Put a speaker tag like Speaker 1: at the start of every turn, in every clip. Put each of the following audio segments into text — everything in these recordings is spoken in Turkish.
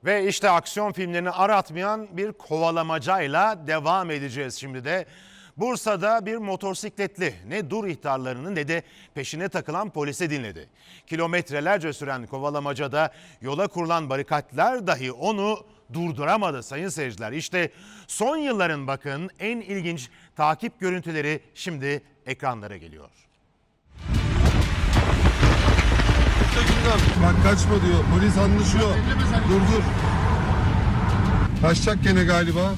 Speaker 1: Ve işte aksiyon filmlerini aratmayan bir kovalamacayla devam edeceğiz şimdi de. Bursa'da bir motosikletli ne dur ihtarlarını ne de peşine takılan polise dinledi. Kilometrelerce süren kovalamacada yola kurulan barikatlar dahi onu durduramadı sayın seyirciler. İşte son yılların bakın en ilginç takip görüntüleri şimdi ekranlara geliyor.
Speaker 2: Bak kaçma diyor. Polis anlaşıyor. Dur. Kaçacak gene galiba.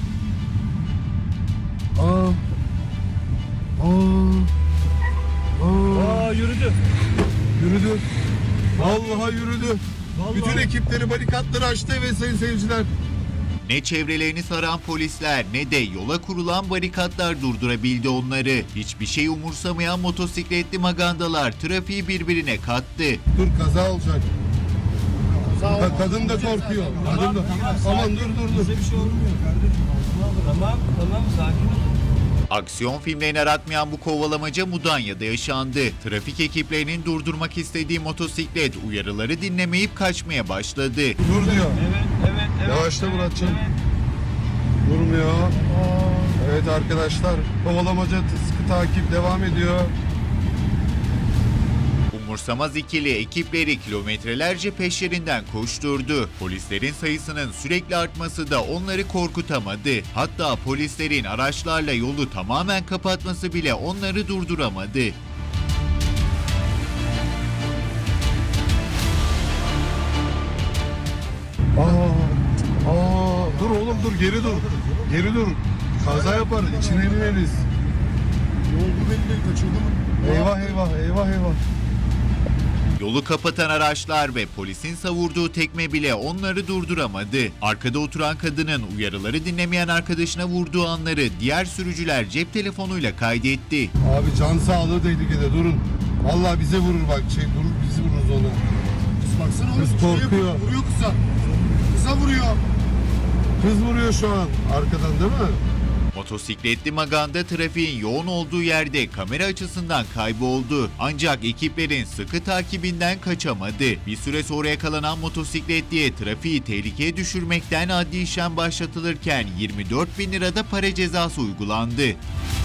Speaker 3: Yürüdü.
Speaker 2: Yürüdü. Vallahi yürüdü. Bütün ekipleri barikatları açtı ve sayın seyirciler.
Speaker 4: Ne çevrelerini saran polisler ne de yola kurulan barikatlar durdurabildi onları. Hiçbir şey umursamayan motosikletli magandalar trafiği birbirine kattı.
Speaker 2: Dur kaza olacak. Kadın da korkuyor. Kadın da. Aman dur.
Speaker 3: Bize bir şey olmuyor kardeşim. Tamam sakin ol.
Speaker 4: Aksiyon filmlerini aratmayan bu kovalamaca Mudanya'da yaşandı. Trafik ekiplerinin durdurmak istediği motosiklet uyarıları dinlemeyip kaçmaya başladı.
Speaker 2: Dur diyor.
Speaker 3: Evet.
Speaker 2: Yavaşla Muratcan. Durmuyor. Evet arkadaşlar. Kovalamaca sıkı takip devam ediyor.
Speaker 4: Umursamaz ikili ekipleri kilometrelerce peşlerinden koşturdu. Polislerin sayısının sürekli artması da onları korkutamadı. Hatta polislerin araçlarla yolu tamamen kapatması bile onları durduramadı.
Speaker 2: Dur oğlum dur geri dur. Geri dur. Kaza yapar. İçine ineriz. Ne oldu belli kaçırdı mı? Eyvah.
Speaker 4: Yolu kapatan araçlar ve polisin savurduğu tekme bile onları durduramadı. Arkada oturan kadının uyarıları dinlemeyen arkadaşına vurduğu anları diğer sürücüler cep telefonuyla kaydetti.
Speaker 2: Abi can sağlığı tehlikede durun. Vallahi bize vurur bak durur bizi vururuz ona.
Speaker 5: Kız baksana oğlum.
Speaker 2: Kız korkuyor.
Speaker 5: Vuruyor kıza. Kıza vuruyor.
Speaker 2: Kız vuruyor şu an arkadan değil mi?
Speaker 4: Motosikletli maganda trafiğin yoğun olduğu yerde kamera açısından kayboldu. Ancak ekiplerin sıkı takibinden kaçamadı. Bir süre sonra yakalanan motosikletliye trafiği tehlikeye düşürmekten adli işlem başlatılırken 24.000 lirada para cezası uygulandı.